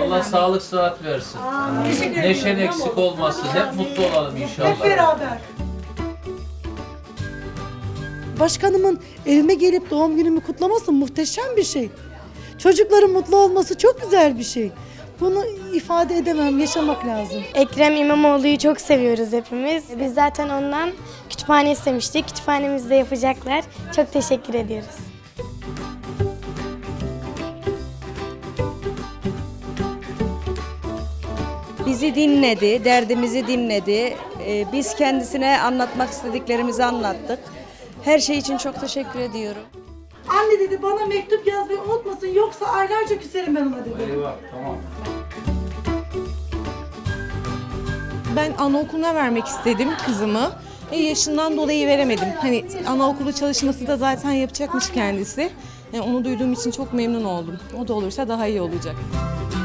Allah sağlık sıhhat versin. Neşen eksik olmasın. Hep mutlu olalım inşallah. Hep beraber. Başkanımın evime gelip doğum günümü kutlaması muhteşem bir şey. Çocukların mutlu olması çok güzel bir şey. Bunu ifade edemem, yaşamak lazım. Ekrem İmamoğlu'yu çok seviyoruz hepimiz. Biz zaten ondan kütüphane istemiştik. Kütüphanemizde yapacaklar. Çok teşekkür ediyoruz. Bizi dinledi, derdimizi dinledi. Biz kendisine anlatmak istediklerimizi anlattık. Her şey için çok teşekkür ediyorum. Anne dedi bana mektup yazmayı unutmasın yoksa aylarca küserim ben ona dedi. Eyvah, tamam. Ben anaokuluna vermek istedim kızımı. Yaşından dolayı veremedim. Hani anaokulu çalışması da zaten yapacakmış kendisi. Onu duyduğum için çok memnun oldum. O da olursa daha iyi olacak.